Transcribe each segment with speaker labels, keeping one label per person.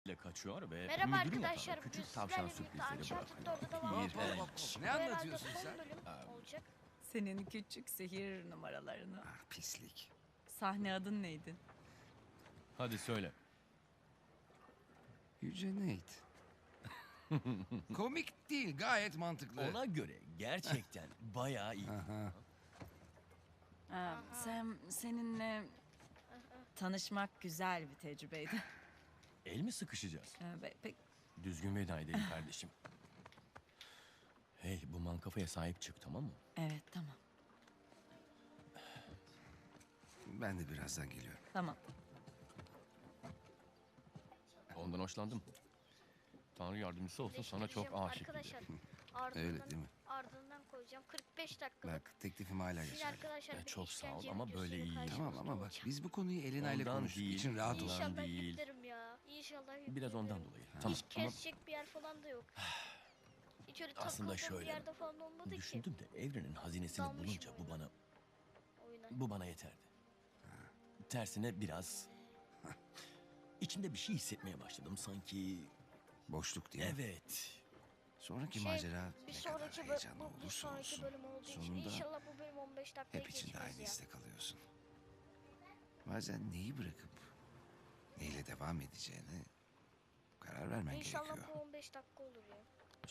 Speaker 1: ile kaçıyor ve
Speaker 2: Merhaba
Speaker 1: müdürün
Speaker 2: arkadaşlar.
Speaker 1: yatağına
Speaker 2: bugün
Speaker 1: küçük tavşan
Speaker 2: sizlerle birlikte
Speaker 1: sürprizleri
Speaker 2: Uncharted
Speaker 1: bırakıyor.
Speaker 2: 4'e devam ediyoruz.
Speaker 1: İğrenç.
Speaker 2: Bu
Speaker 3: Ne
Speaker 2: herhalde
Speaker 3: anlatıyorsun
Speaker 2: son
Speaker 3: sen?
Speaker 2: bölüm olacak.
Speaker 4: Senin küçük sihir numaralarını.
Speaker 3: Ah, pislik.
Speaker 4: Sahne adın neydi?
Speaker 1: Hadi söyle.
Speaker 3: Yüce Nate. Komik değil, gayet mantıklı.
Speaker 1: Ona göre gerçekten bayağı iyi.
Speaker 4: Sam, seninle tanışmak güzel bir tecrübeydi.
Speaker 1: El mi sıkışacağız?
Speaker 4: Pek
Speaker 1: Düzgün veda edelim kardeşim. Hey, bu mankafaya sahip çık, tamam mı?
Speaker 4: evet, tamam.
Speaker 3: Ben de birazdan geliyorum.
Speaker 4: Tamam.
Speaker 1: Ondan hoşlandım. Tanrı yardımcısı olsun, sana çok
Speaker 2: Değiştireceğim
Speaker 1: aşık gibi.
Speaker 2: arkadaşlar. Ardından,
Speaker 3: Öyle değil mi?
Speaker 2: Ardından koyacağım. 45 dakikalık.
Speaker 3: Bak, teklifim hala
Speaker 2: Siz
Speaker 3: geçerli.
Speaker 2: arkadaşlar bir
Speaker 1: çok sağ ol
Speaker 2: işkence
Speaker 1: ama
Speaker 2: videosuyla
Speaker 1: böyle iyi.
Speaker 2: karşınızda
Speaker 3: Tamam ama bak,
Speaker 2: olacağım.
Speaker 3: biz bu konuyu Elena ile
Speaker 1: Ondan
Speaker 3: konuştuk.
Speaker 1: değil,
Speaker 3: İçin rahat
Speaker 1: ondan
Speaker 3: olsun.
Speaker 2: İnşallah
Speaker 1: değil.
Speaker 2: yüklerim ya. İnşallah yüklerim.
Speaker 1: Biraz ondan dolayı. Tamam,
Speaker 2: Hiç
Speaker 1: tamam.
Speaker 2: kesecek bir yer falan da yok. Hiç öyle
Speaker 1: Aslında
Speaker 2: takıldığım bir
Speaker 1: şöyle,
Speaker 2: yerde falan olmadı ki.
Speaker 1: düşündüm de evrenin hazinesini
Speaker 2: Dalmışım
Speaker 1: bulunca
Speaker 2: oyuna. Oyuna.
Speaker 1: bu bana yeterdi. Tersine biraz içimde bir şey hissetmeye başladım sanki.
Speaker 3: Boşluk diye.
Speaker 1: Evet.
Speaker 3: Sonraki
Speaker 2: Şey,
Speaker 3: macera
Speaker 2: bir
Speaker 3: ne kadar
Speaker 2: sonraki
Speaker 3: heyecanlı
Speaker 2: bir
Speaker 3: olursa
Speaker 2: sonraki
Speaker 3: olsun.
Speaker 2: bölüm olduğu için
Speaker 3: Sonunda
Speaker 2: inşallah bu bölüm 15 dakikaya
Speaker 3: hep içinde
Speaker 2: geçmez
Speaker 3: aynı
Speaker 2: ya.
Speaker 3: istek alıyorsun. Bazen neyi bırakıp neyle devam edeceğine karar vermen
Speaker 2: İnşallah
Speaker 3: gerekiyor.
Speaker 2: bu 15 dakika olur ya.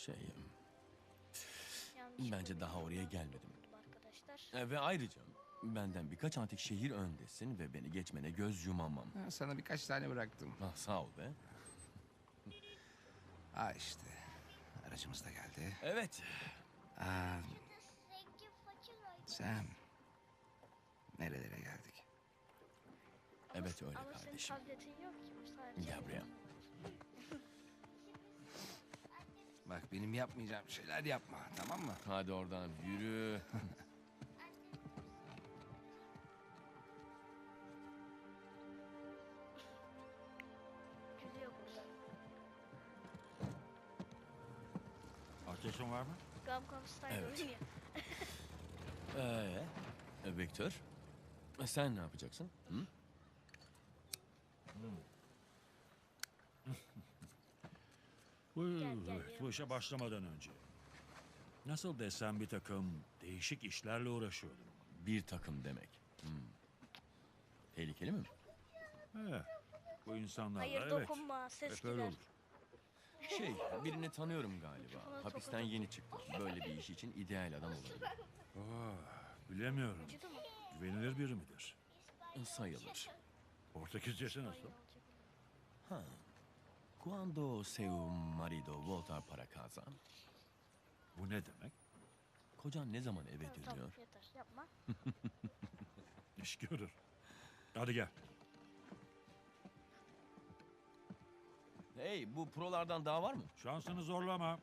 Speaker 2: Yanlış
Speaker 1: Bence daha oraya
Speaker 2: bilmiyorum
Speaker 1: gelmedim.
Speaker 2: arkadaşlar.
Speaker 1: Ve ayrıca benden birkaç antik şehir öndesin ve beni geçmene göz yumamam.
Speaker 3: Ha, sana birkaç tane bıraktım.
Speaker 1: Ah, sağ ol be.
Speaker 3: Ha işte. Aracımız da geldi.
Speaker 1: Evet.
Speaker 3: Sam. Nerelere geldik?
Speaker 1: Evet öyle
Speaker 2: Ama senin
Speaker 1: kardeşim.
Speaker 2: tabletin yok ki bu sadece.
Speaker 1: Gel buraya.
Speaker 3: Bak, benim yapmayacağım şeyler yapma, tamam mı?
Speaker 1: Hadi oradan yürü.
Speaker 2: Gülüyor burada.
Speaker 5: Ateşin var mı?
Speaker 2: Gamcom Style
Speaker 1: Evet.
Speaker 2: oynuyor.
Speaker 1: Victor. Sen ne yapacaksın? Hı?
Speaker 2: gel,
Speaker 5: Bu işe başlamadan önce. Nasıl desem bir takım değişik işlerle uğraşıyordum.
Speaker 1: Bir takım demek. Tehlikeli mi?
Speaker 5: He, bu insanlarla
Speaker 2: Hayır
Speaker 5: evet.
Speaker 2: dokunma ses
Speaker 5: Hep öyle
Speaker 2: gider.
Speaker 1: olur. Birini tanıyorum galiba.
Speaker 2: Mikrofona
Speaker 1: Hapisten yeni çıktı. Böyle bir iş için ideal adam olabilir.
Speaker 5: Bilemiyorum.
Speaker 2: Acıdı mı?
Speaker 5: Güvenilir biri midir?
Speaker 1: Sayılır.
Speaker 5: Portekizcesi nasıl?
Speaker 1: Cuando seu marido volta para casa?
Speaker 5: Bu ne demek?
Speaker 1: Kocan ne zaman eve
Speaker 2: Tamam
Speaker 1: dönüyor?
Speaker 2: yeter yapma.
Speaker 5: İş görür. Hadi gel.
Speaker 1: Hey, bu prolardan daha var mı?
Speaker 5: Şansını zorlama.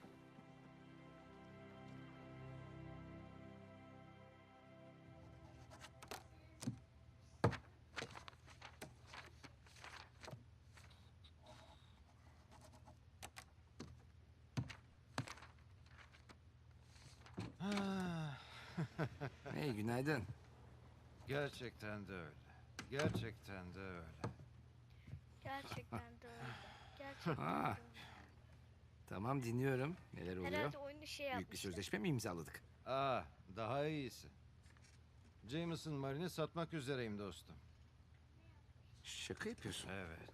Speaker 3: Hey, günaydın.
Speaker 6: Gerçekten de öyle. Gerçekten de öyle.
Speaker 2: Gerçekten de öyle. Gerçekten
Speaker 3: Ha.
Speaker 2: de öyle.
Speaker 3: Tamam, dinliyorum. Neler oluyor?
Speaker 2: Herhalde oyunu şey
Speaker 3: Büyük bir
Speaker 2: yapmışlar.
Speaker 3: sözleşme mi imzaladık?
Speaker 6: Daha iyisi. Jameson Marine'i satmak üzereyim dostum.
Speaker 3: Şaka yapıyorsun.
Speaker 6: Evet.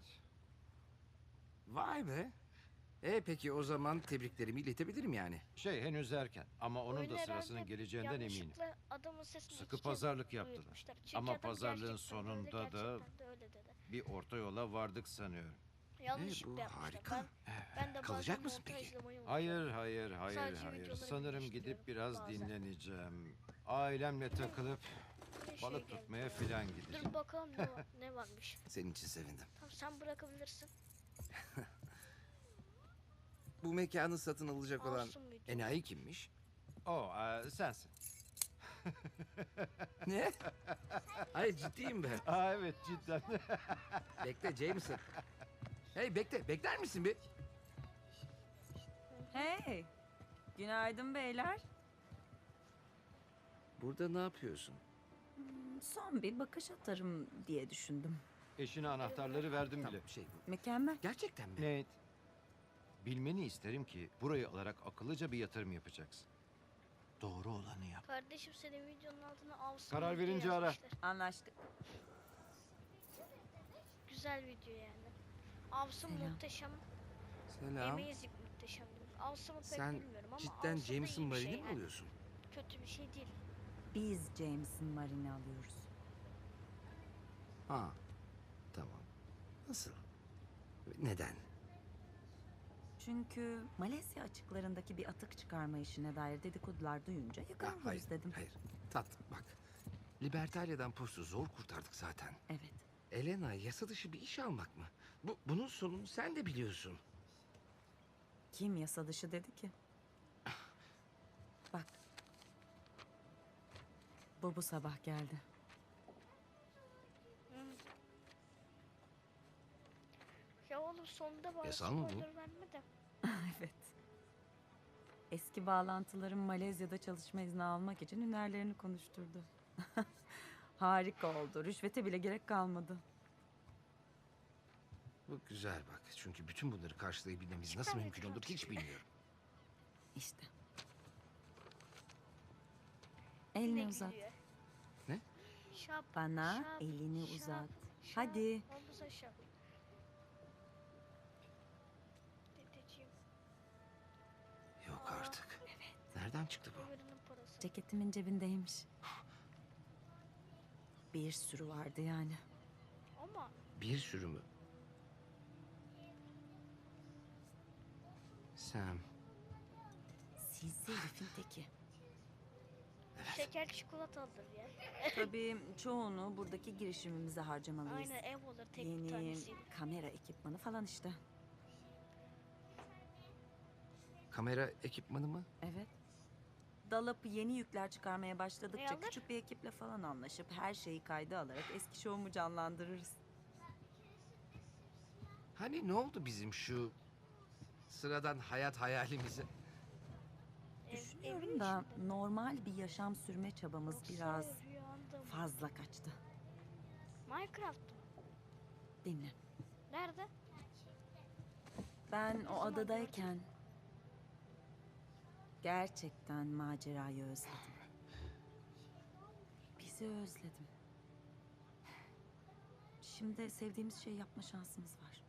Speaker 3: Vay be. Peki o zaman tebriklerimi iletebilirim yani.
Speaker 6: Henüz erken ama onun
Speaker 2: Oyunu
Speaker 6: da sırasının
Speaker 2: herhalde
Speaker 6: geleceğinden eminim.
Speaker 2: yanlışlıkla adamın sesini
Speaker 6: Sıkı
Speaker 2: iki kez
Speaker 6: pazarlık yaptılar.
Speaker 2: duyurmuşlar. Çünkü
Speaker 6: Ama
Speaker 2: adam
Speaker 6: pazarlığın
Speaker 2: gerçekten
Speaker 6: sonunda
Speaker 2: de öyle,
Speaker 6: da
Speaker 2: gerçekten de öyle dedi.
Speaker 6: bir orta yola vardık sanıyorum.
Speaker 2: Yanlışlıkla
Speaker 3: bu
Speaker 2: yapmışlar.
Speaker 3: harika.
Speaker 2: Ben de
Speaker 3: Kalacak
Speaker 2: bazen
Speaker 3: mısın peki?
Speaker 2: montajlamayı
Speaker 6: Hayır,
Speaker 2: unutuyorum.
Speaker 6: hayır, hayır,
Speaker 2: Sadece
Speaker 6: hayır.
Speaker 2: videoları
Speaker 6: Sanırım
Speaker 2: birleştiriyorum
Speaker 6: gidip biraz
Speaker 2: bazen.
Speaker 6: dinleneceğim. Ailemle takılıp
Speaker 2: Bir şey
Speaker 6: balık
Speaker 2: geldi.
Speaker 6: tutmaya filan gideceğim.
Speaker 2: Dur bakalım ne varmış.
Speaker 3: Senin için sevindim.
Speaker 2: Tamam sen bırakabilirsin.
Speaker 3: Bu mekanı satın alacak olan
Speaker 2: Masum müydü?
Speaker 3: enayi kimmiş?
Speaker 6: Sensin.
Speaker 3: Ne? Hayır, ciddiyim ben.
Speaker 6: Evet, cidden.
Speaker 3: Bekle Jameson. Hey, bekler misin bir?
Speaker 4: Hey, günaydın beyler.
Speaker 3: Burada ne yapıyorsun?
Speaker 4: Son bir bakış atarım diye düşündüm.
Speaker 6: Eşine anahtarları verdim bile.
Speaker 3: Tamam şey bu.
Speaker 4: Mükemmel.
Speaker 3: Gerçekten mi?
Speaker 6: Nate, bilmeni isterim ki burayı alarak akıllıca bir yatırım yapacaksın. Doğru olanı yap.
Speaker 2: Kardeşim senin videonun altına avsın
Speaker 6: Karar
Speaker 2: video
Speaker 6: verince ara.
Speaker 2: yazmışlar.
Speaker 4: Anlaştık.
Speaker 2: Güzel video yani. Avsın
Speaker 4: Selam.
Speaker 2: muhteşem.
Speaker 3: Selam.
Speaker 2: Amazing muhteşem. Avsım'ı pek
Speaker 3: Sen
Speaker 2: bilmiyorum ama
Speaker 3: cidden
Speaker 2: Avsım da
Speaker 3: Jameson
Speaker 2: iyi bir
Speaker 3: Marine'i
Speaker 2: şey
Speaker 3: mi
Speaker 2: yani.
Speaker 3: alıyorsun?
Speaker 2: Kötü bir şey değil.
Speaker 4: Biz Jameson Marine'i alıyoruz.
Speaker 3: Ha. Tamam. Nasıl? Neden?
Speaker 4: Çünkü Malezya açıklarındaki bir atık çıkarma işine dair dedikodular duyunca
Speaker 3: Ha,
Speaker 4: yakalanırız
Speaker 3: hayır,
Speaker 4: dedim.
Speaker 3: hayır. Tatlım bak. Libertalia'dan postu zor kurtardık zaten.
Speaker 4: Evet.
Speaker 3: Elena yasa dışı bir iş almak mı? Bunun sonunu sen de biliyorsun.
Speaker 4: Kim yasa dışı dedi ki? Bak. Bu sabah geldi.
Speaker 2: Ya oğlum sonunda bana
Speaker 3: Yasal mı bu?
Speaker 2: spoiler verme de.
Speaker 4: Evet. Eski bağlantılarım Malezya'da çalışma izni almak için hünerlerini konuşturdu. Harika oldu. Rüşvete bile gerek kalmadı.
Speaker 3: Bu güzel bak. Çünkü bütün bunları karşılayabilmemiz
Speaker 2: Süper
Speaker 3: nasıl
Speaker 2: bir
Speaker 3: mümkün olur
Speaker 2: plot.
Speaker 3: hiç bilmiyorum.
Speaker 4: İşte.
Speaker 2: Yine
Speaker 4: Elini uzat.
Speaker 2: gülüyor.
Speaker 3: Ne?
Speaker 2: Şap,
Speaker 4: Bana
Speaker 2: şap,
Speaker 4: elini
Speaker 2: şap,
Speaker 4: uzat.
Speaker 2: şap,
Speaker 4: Hadi.
Speaker 2: Omuza şap. Dedeciğim,
Speaker 3: Yok artık. Nereden çıktı bu?
Speaker 2: ömrünün parası.
Speaker 4: Ceketimin cebindeymiş. Bir sürü vardı yani.
Speaker 2: Ama
Speaker 3: Bir sürü mü? Sam.
Speaker 4: Sizi herifin teki.
Speaker 2: şeker çikolatalıdır ya.
Speaker 4: Tabii çoğunu buradaki girişimimize harcamalıyız.
Speaker 2: Aynen ev olur tek bir
Speaker 4: Yeni
Speaker 2: tanesi.
Speaker 4: kamera ekipmanı falan işte.
Speaker 3: Kamera ekipmanı mı?
Speaker 4: Evet. Dalıp yeni yükler çıkarmaya
Speaker 2: Ne
Speaker 4: başladıkça
Speaker 2: alır?
Speaker 4: küçük bir ekiple falan anlaşıp her şeyi kayda alarak eski şovumu canlandırırız.
Speaker 3: Hani ne oldu bizim şu sıradan hayat hayalimize?
Speaker 4: Düşünüyorum da normal bir yaşam sürme çabamız
Speaker 2: Yoksa
Speaker 4: biraz
Speaker 2: rüyanda mı?
Speaker 4: fazla kaçtı.
Speaker 2: Minecraft mı?
Speaker 4: Dinle.
Speaker 2: Nerede?
Speaker 4: Ben o
Speaker 2: zaman
Speaker 4: adadayken gerçekten macerayı özledim. Bizi özledim. Şimdi sevdiğimiz şeyi yapma şansımız var.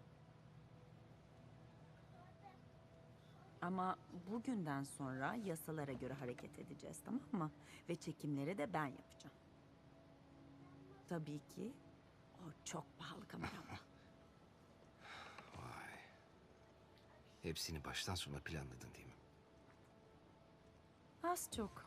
Speaker 4: Ama bugünden sonra yasalara göre hareket edeceğiz, tamam mı? Ve çekimleri de ben yapacağım. Tabii ki o çok pahalı kameramla.
Speaker 3: Vay. Hepsini baştan sona planladın değil mi?
Speaker 4: Az çok.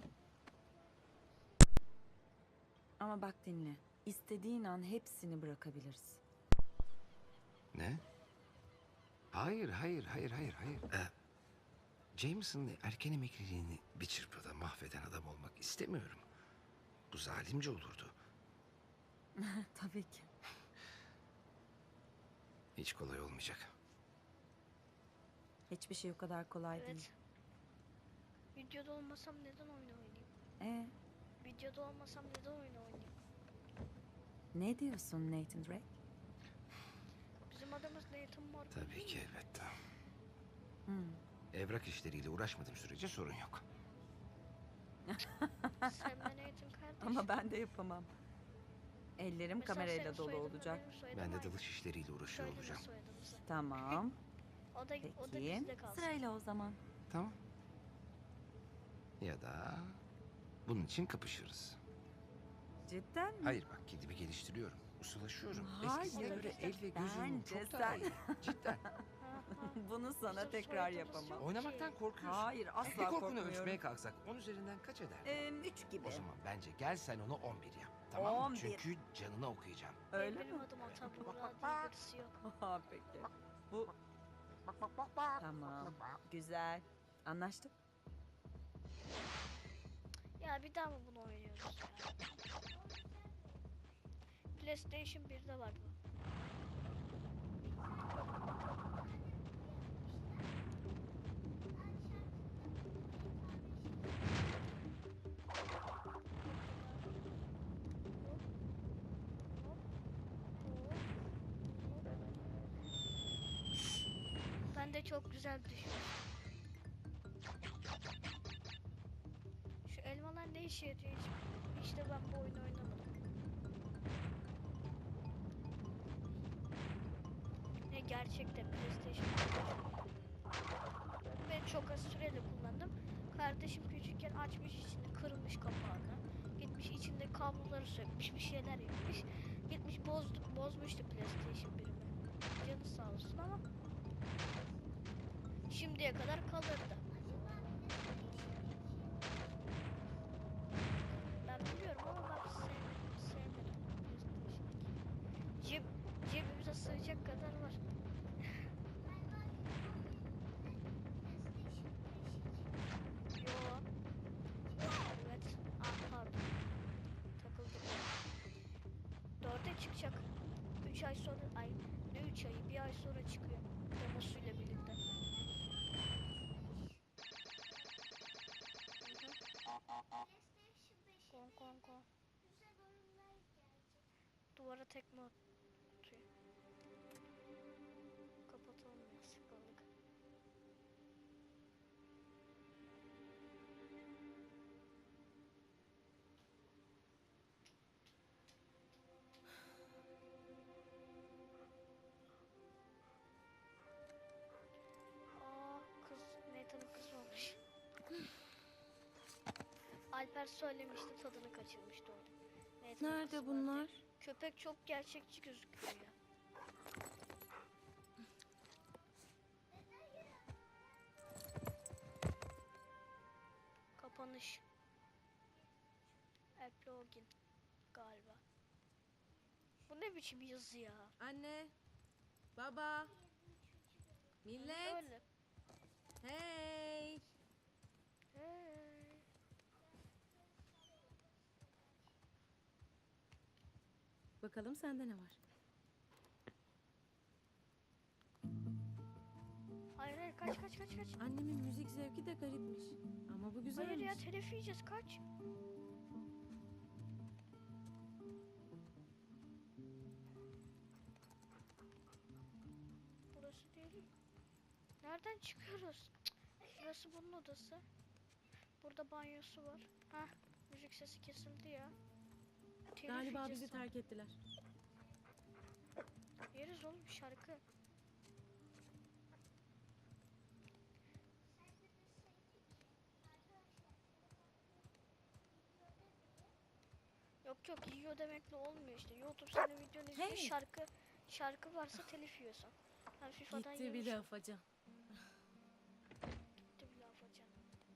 Speaker 4: Ama bak dinle. İstediğin an hepsini bırakabiliriz.
Speaker 3: Ne? Hayır, hayır, hayır, hayır, hayır. Jameson'ın erken emekliliğini bir çırpıda mahveden adam olmak istemiyorum. Bu zalimce olurdu.
Speaker 4: Tabii ki.
Speaker 3: Hiç kolay olmayacak.
Speaker 4: Hiçbir şey o kadar kolay
Speaker 2: Evet.
Speaker 4: değil.
Speaker 2: Videoda olmasam neden oyun oynayayım? Videoda olmasam neden oyun oynayayım?
Speaker 4: Ne diyorsun Nathan Drake?
Speaker 2: Bizim adamız Nathan Mark.
Speaker 3: Tabii ki elbette.
Speaker 4: Hmm.
Speaker 3: Evrak işleriyle uğraşmadığım sürece sorun yok.
Speaker 2: Sen de Nathan kardeş.
Speaker 4: Ama ben de yapamam. Ellerim
Speaker 2: Mesela
Speaker 4: kamerayla
Speaker 2: senin
Speaker 4: dolu
Speaker 2: soyadınla
Speaker 4: olacak.
Speaker 2: benim soyadım
Speaker 3: Ben de
Speaker 2: aynı.
Speaker 3: dalış işleriyle uğraşıyor
Speaker 2: Söyleme
Speaker 3: olacağım.
Speaker 2: soyadımızı.
Speaker 4: Tamam.
Speaker 2: O da
Speaker 4: Peki.
Speaker 2: bizde kalsın.
Speaker 4: Sırayla o zaman.
Speaker 3: Tamam. Ya da bunun için kapışırız.
Speaker 4: Cidden mi?
Speaker 3: Hayır bak kendimi geliştiriyorum. Ustalaşıyorum.
Speaker 4: Hayır,
Speaker 3: Eskisine göre el ve gözüm
Speaker 4: bence
Speaker 3: çok daha
Speaker 4: sen-
Speaker 3: iyi. Cidden.
Speaker 4: Bunu sana
Speaker 2: Bizim
Speaker 4: tekrar
Speaker 2: soyadımız
Speaker 4: yapamam.
Speaker 2: yok.
Speaker 3: Oynamaktan korkuyorsun.
Speaker 4: Hayır, asla
Speaker 3: Bir korkunu
Speaker 4: korkmuyorum.
Speaker 3: ölçmeye kalksak 10 üzerinden kaç eder?
Speaker 4: 3 gibi.
Speaker 3: O zaman bence gel sen onu 11 yap. Tamam mı?
Speaker 4: 11.
Speaker 3: Çünkü canına okuyacağım.
Speaker 4: Öyle
Speaker 2: Benim
Speaker 4: mi?
Speaker 2: adım Ata Buğra diye birisi yok.
Speaker 4: Ha, peki. Bu... Tamam. Güzel. Anlaştık.
Speaker 2: Ya bir daha mı bunu oynuyoruz ya? PlayStation 1'de var bu. Hop, hop, hop. çok güzel düşmüş. Şu elmalar ne işe yarıyor hiç? İşte ben bu oyunu oynamadım. Ne gerçekte PlayStation. Ben çok az süreyle kullandım. Kardeşim küçükken açmış içini, kırmış kapağını. Gitmiş içinde kabloları sökmüş, bir şeyler yapmış. Gitmiş bozmuştu PlayStation 1'imi. Canı sağ olsun ama şimdiye kadar kalırdı. Ben biliyorum ama ben sevmedim PlayStation 2. Cebimize sığacak kadar var. Yo. Evet. Pardon. Takıldım. 4'e çıkacak. 3 ay sonra, ne 3 ayı, bir ay sonra çıkıyor. Demosuyla birlikte. Kon kon kon. Duvara tekme atıyor. Kapatalım ya, sıkıldık. Kız, Nathan'ın kızı olmuş. Alper söylemişti, tadını kaçırmıştı orada. Nathan'ın
Speaker 7: Nerede
Speaker 2: kızı var
Speaker 7: bunlar?
Speaker 2: diye. Köpek çok gerçekçi gözüküyor ya. Kapanış. Eplogin galiba. Bu ne biçim yazı ya?
Speaker 7: Anne, baba, millet,
Speaker 2: Öyle.
Speaker 7: hey.
Speaker 2: Hey.
Speaker 7: Bakalım sende ne var?
Speaker 2: Hayır hayır, kaç kaç kaç kaç.
Speaker 7: Annemin müzik zevki de garipmiş. Ama bu güzelmiş.
Speaker 2: Hayır ya, telef yiyeceğiz, kaç. Burası değil. Nereden çıkıyoruz? Cık, burası bunun odası. Burada banyosu var. Hah, müzik sesi kesildi ya. Telif
Speaker 7: Galiba
Speaker 2: yiyeceğiz
Speaker 7: bizi
Speaker 2: sonra.
Speaker 7: terk ettiler.
Speaker 2: Yeriz oğlum şarkı. Yok yok, yiyor demekle olmuyor işte. YouTube senin videonu izliyor,
Speaker 7: Hey!
Speaker 2: şarkı varsa telif yiyorsun. Ben FIFA'dan
Speaker 7: Gitti bile
Speaker 2: yemişim.
Speaker 7: afacan.
Speaker 2: Gitti bile afacan.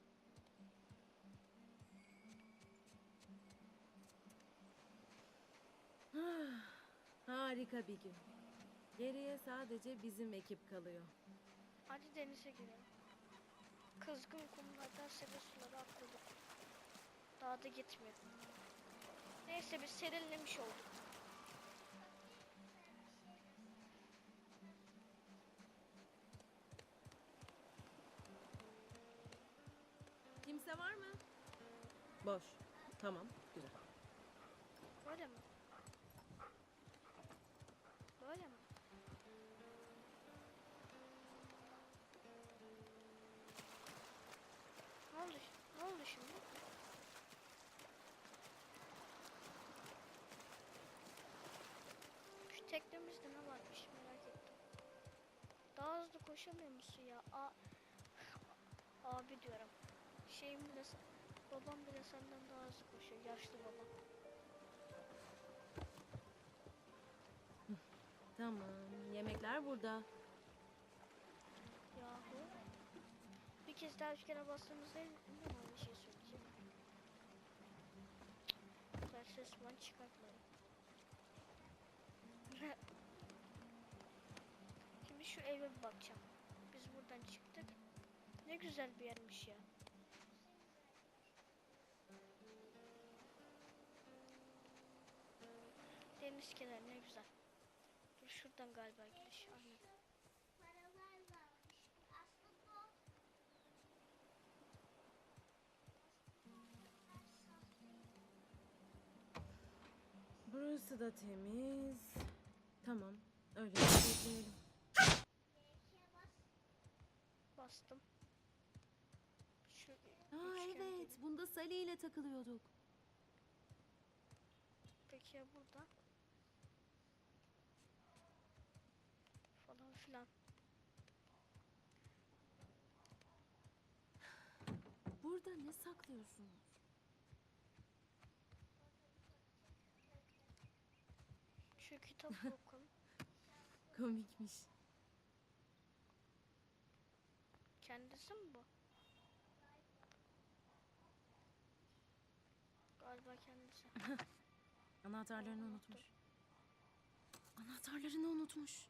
Speaker 7: Harika bir gün. Geriye sadece bizim ekip kalıyor.
Speaker 2: Hadi denize girelim. Kızgın kumlardan sebe suları atladık. Daha da gitmedim. Neyse, biz serinlemiş olduk.
Speaker 7: Kimse var mı? Boş. Tamam, güzel.
Speaker 2: Böyle mi? Böyle mi? Ne oldu? Ne oldu şimdi? Şu teknemizde ne varmış merak ettim. Daha hızlı koşamıyor musun ya? Abi diyorum. Şeyim bile, babam bile senden daha hızlı koşuyor. Yaşlı babam.
Speaker 7: Tamam, yemekler burada.
Speaker 2: Yahu. Bir kez daha 3 kere bastığımızda ne bir şey söyleyeceğim. Güzel ses falan çıkartmadım. Şimdi şu eve bir bakacağım. Biz buradan çıktık. Ne güzel bir yermiş ya. Deniz kenarı ne güzel. Dur, şuradan galiba gidiş. Aynen.
Speaker 7: Burası da temiz. Tamam, öyle bekleyelim.
Speaker 2: bastım. Şu
Speaker 7: Aa
Speaker 2: üçgen
Speaker 7: evet,
Speaker 2: gibi.
Speaker 7: bunda Sally ile takılıyorduk.
Speaker 2: Peki ya burada? Falan filan.
Speaker 7: Burada ne saklıyorsunuz?
Speaker 2: Şu kitap okun.
Speaker 7: Komikmiş.
Speaker 2: Kendisi mi bu? Galiba kendisi.
Speaker 7: Anahtarlarını unutmuş. Anahtarlarını unutmuş.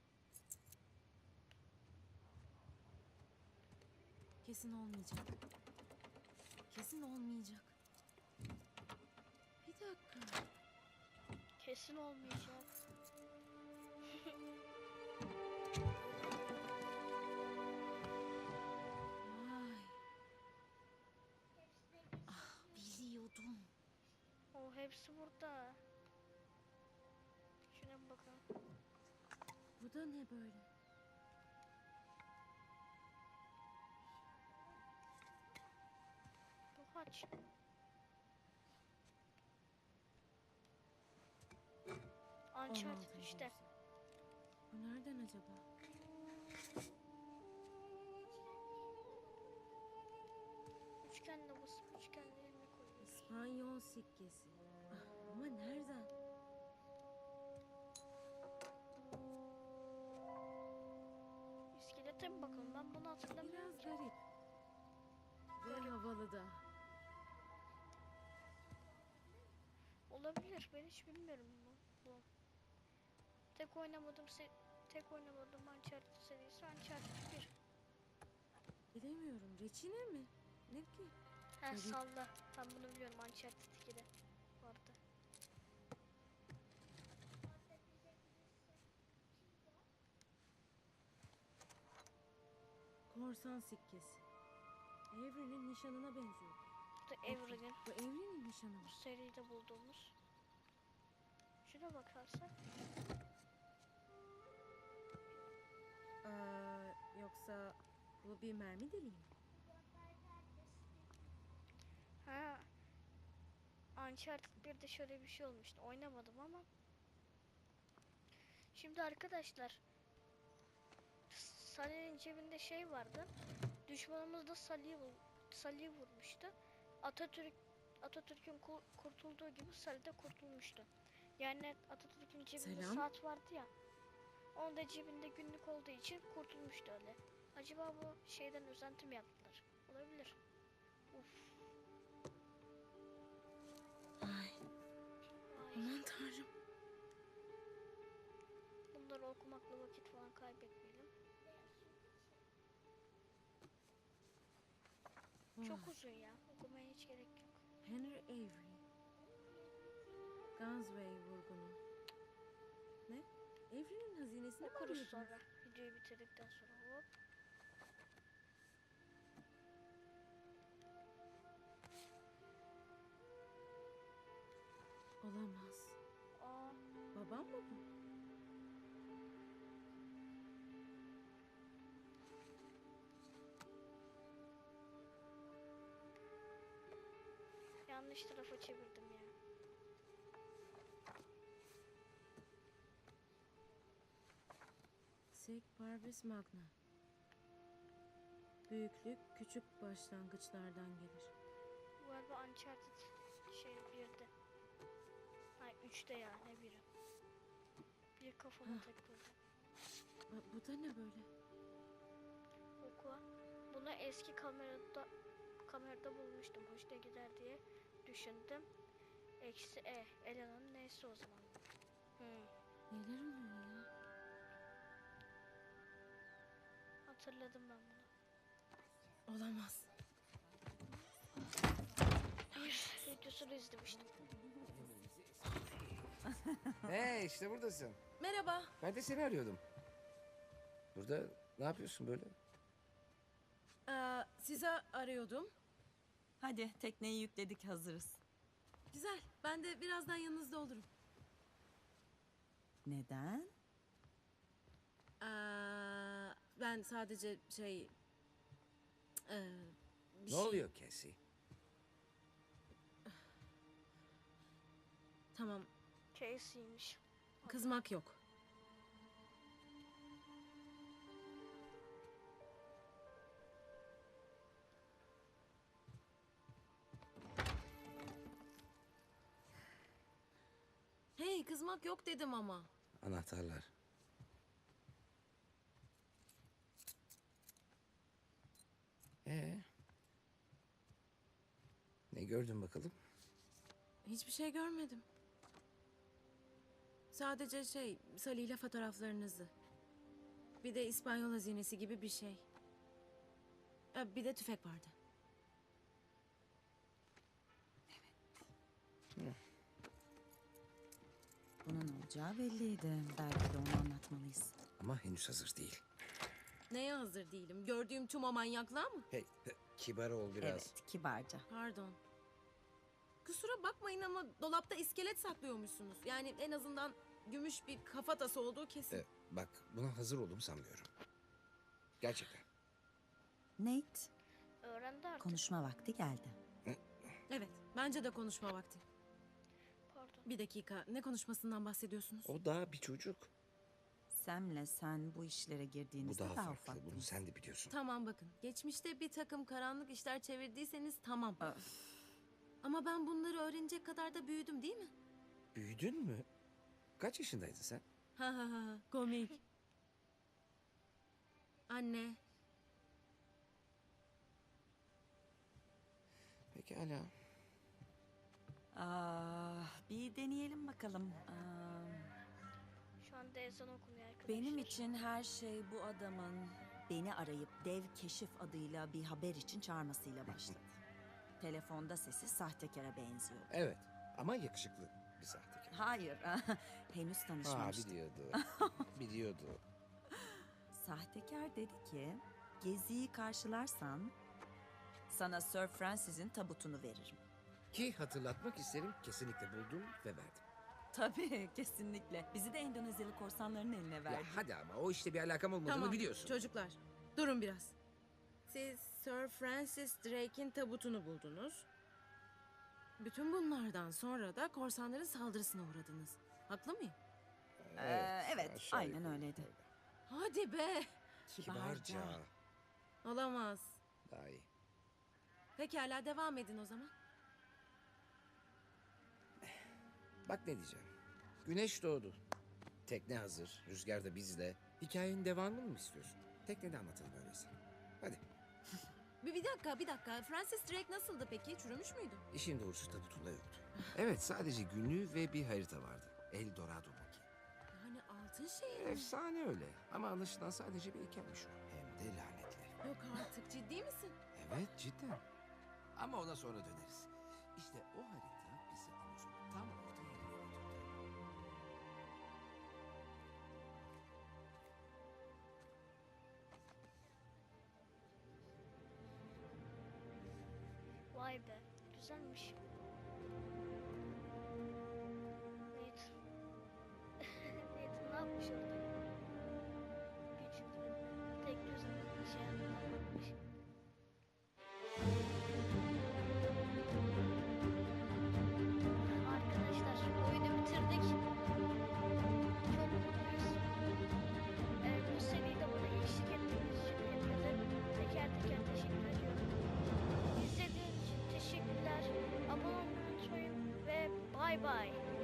Speaker 7: Kesin olmayacak. Kesin olmayacak. Bir dakika.
Speaker 2: Kesin olmayacak.
Speaker 7: Vay. Ah, biliyordum.
Speaker 2: O hepsi burada. Şuna bir bakalım.
Speaker 7: Bu da ne böyle?
Speaker 2: Bu haç. Uncharted
Speaker 7: 16.
Speaker 2: işte.
Speaker 7: yüzyıl. Bu nereden acaba?
Speaker 2: Üçgenle basıp üçgenle yerine koyuyoruz.
Speaker 7: İspanyol sikkesi. Ah, ama nereden?
Speaker 2: İskelete mi bakalım? Ben bunu hatırlamıyorum
Speaker 7: Biraz
Speaker 2: ki.
Speaker 7: garip. Ve havalı da.
Speaker 2: Olabilir. Ben hiç bilmiyorum bu. Tek oynamadığım Uncharted serisi Uncharted 1.
Speaker 7: Bilemiyorum. Reçine mi? Ne ki?
Speaker 2: Ha
Speaker 7: Evet.
Speaker 2: salla. Ben bunu biliyorum. Uncharted 2'de vardı.
Speaker 7: Korsan sikkesi. Evrenin nişanına benziyor.
Speaker 2: Bu da Evren'in
Speaker 7: Bu Evrenin nişanı mı?
Speaker 2: bu seride bulduğumuz. Şuna bakarsak.
Speaker 7: Yoksa bu bir mermi deliği mi?
Speaker 2: Ha. Uncharted 1'de şöyle bir şey olmuştu. Oynamadım ama. Şimdi arkadaşlar. Sally'nin cebinde şey vardı. Düşmanımız da Sally'i vurmuştu. Atatürk'ün kurtulduğu gibi Sally de kurtulmuştu. Yani Atatürk'ün cebinde
Speaker 7: Selam.
Speaker 2: saat vardı ya. Onun da cebinde günlük olduğu için kurtulmuştu öyle. Acaba bu şeyden özenti mi yaptılar? Olabilir. Uf.
Speaker 7: Ay,
Speaker 2: Ay.
Speaker 7: aman tanrım.
Speaker 2: Bunları okumakla vakit falan kaybetmeyelim. Çok
Speaker 7: Vay.
Speaker 2: uzun ya. Okumaya hiç gerek yok.
Speaker 7: Henry Avery. Gunsway vurgunu. Ne? Avery'nin hazinesini mi
Speaker 2: Okuruz
Speaker 7: arıyordunuz?
Speaker 2: sonra. Videoyu bitirdikten sonra. Hop.
Speaker 7: Olamaz.
Speaker 2: Aa,
Speaker 7: Babam mı bu?
Speaker 2: yanlış tarafa çevirdim ya.
Speaker 7: Sic Parvis Magna. Büyüklük küçük başlangıçlardan gelir.
Speaker 2: Bu galiba Uncharted şey 1'de. Hayır 3'te ya ne 1'i. Bir kafama takıldı.
Speaker 7: Bu da ne böyle?
Speaker 2: Oku. Bunu eski kamerada bulmuştum. Hoşuna gider diye düşündüm. Eksi Ela'nın neyse o zaman.
Speaker 7: Neler oluyor ya?
Speaker 2: Hatırladım ben bunu.
Speaker 7: Olamaz.
Speaker 2: Bir videosunu izlemiştim.
Speaker 3: Hey işte buradasın.
Speaker 7: Merhaba.
Speaker 3: Ben de seni arıyordum. Burada ne yapıyorsun böyle?
Speaker 7: Sizi arıyordum.
Speaker 4: Hadi tekneyi yükledik, hazırız.
Speaker 7: Güzel. Ben de birazdan yanınızda olurum.
Speaker 4: Neden?
Speaker 7: Ben sadece Bir
Speaker 3: Ne oluyor Cassie?
Speaker 7: Tamam,
Speaker 2: Casey'miş.
Speaker 7: kızmak yok. Hey, kızmak yok dedim ama.
Speaker 3: Anahtarlar. Ne gördün bakalım?
Speaker 7: Hiçbir şey görmedim. Sadece Salih ile fotoğraflarınızı. Bir de İspanyol hazinesi gibi bir şey. Bir de tüfek vardı.
Speaker 4: Bunun olacağı belliydi. Belki de onu anlatmalıyız.
Speaker 3: Ama henüz hazır değil.
Speaker 7: Neye hazır değilim? Gördüğüm tüm o manyaklığa mı?
Speaker 3: Hey, kibar ol biraz.
Speaker 4: Evet, kibarca.
Speaker 7: Pardon. Kusura bakmayın ama dolapta iskelet saklıyormuşsunuz. Yani en azından gümüş bir kafatası olduğu kesin.
Speaker 3: Bak, buna hazır olduğumu sanmıyorum. Gerçekten.
Speaker 4: Nate,
Speaker 2: Öğrendi artık.
Speaker 4: konuşma vakti geldi.
Speaker 7: Evet, bence de konuşma vakti.
Speaker 2: Pardon.
Speaker 7: Bir dakika, ne konuşmasından bahsediyorsunuz?
Speaker 3: O daha bir çocuk.
Speaker 4: Sam'le sen bu işlere
Speaker 3: Bu
Speaker 4: girdiğinizde
Speaker 3: daha
Speaker 4: daha
Speaker 3: farklı. Bunu
Speaker 4: ufaktınız.
Speaker 3: sen de biliyorsun.
Speaker 7: Tamam bakın, geçmişte bir takım karanlık işler çevirdiyseniz tamam.
Speaker 4: Öf.
Speaker 7: Ama ben bunları öğrenecek kadar da büyüdüm değil mi?
Speaker 3: Büyüdün mü? Kaç yaşındaydın sen?
Speaker 7: Ha ha ha, komik. Anne,
Speaker 3: Pekala.
Speaker 4: Bir deneyelim bakalım.
Speaker 2: Şu anda ezan okunuyor arkadaşlar.
Speaker 4: Benim için her şey bu adamın beni arayıp Dev Keşif adıyla bir haber için çağırmasıyla başladı. Telefonda sesi sahtekara benziyor.
Speaker 3: Evet, ama yakışıklı bir sahtekar.
Speaker 4: Hayır, henüz tanışmamıştık.
Speaker 3: Biliyordu. Biliyordu.
Speaker 4: Sahtekar dedi ki, geziyi karşılarsan sana Sir Francis'in tabutunu veririm.
Speaker 3: Ki hatırlatmak isterim, kesinlikle buldum ve verdim.
Speaker 4: Tabii, kesinlikle. Bizi de Endonezyalı korsanların eline verdi.
Speaker 3: Ya hadi ama o işte bir alakam olmadığını
Speaker 7: tamam
Speaker 3: biliyorsun.
Speaker 7: çocuklar, durun biraz. Siz Sir Francis Drake'in tabutunu buldunuz. Bütün bunlardan sonra da korsanların saldırısına uğradınız. Haklı mıyım?
Speaker 4: Evet,
Speaker 3: aşağı
Speaker 4: aynen
Speaker 3: yukarı.
Speaker 4: öyleydi.
Speaker 7: Hadi be!
Speaker 3: Kibarca.
Speaker 7: Olamaz.
Speaker 3: Daha iyi.
Speaker 7: Pekala, devam edin o zaman.
Speaker 3: Bak ne diyeceğim. Güneş doğdu. Tekne hazır. Rüzgar da bizde. Hikayenin devamını mı istiyorsun? Teknede anlatalım öyleyse. Hadi.
Speaker 7: Bir dakika. Francis Drake nasıldı peki? Çürümüş müydü?
Speaker 3: İşin doğrusu tabutunda yoktu. Evet, sadece günlüğü ve bir harita vardı. El Dorado'daki.
Speaker 7: Yani altın şehir mi?
Speaker 3: Efsane öyle. Ama anlaşılan sadece bir heykelmiş o. Hem de lanetli.
Speaker 7: Yok artık, ciddi misin?
Speaker 3: Evet, cidden. Ama ona sonra döneriz. İşte o harita bizi Amazon'un tam orta yerine götürdü.
Speaker 2: Vay be. Güzelmiş. Nate ne yapmış orada? Küçük tek gözle bir şey yapmamış. Arkadaşlar oyunu bitirdik. Çok mutluyuz. Bu seride bana eşlik ettiğiniz için hepinize teker teker teşekkür ediyorum. İzlediğiniz için teşekkürler. Abone olmayı unutmayın ve bay bay.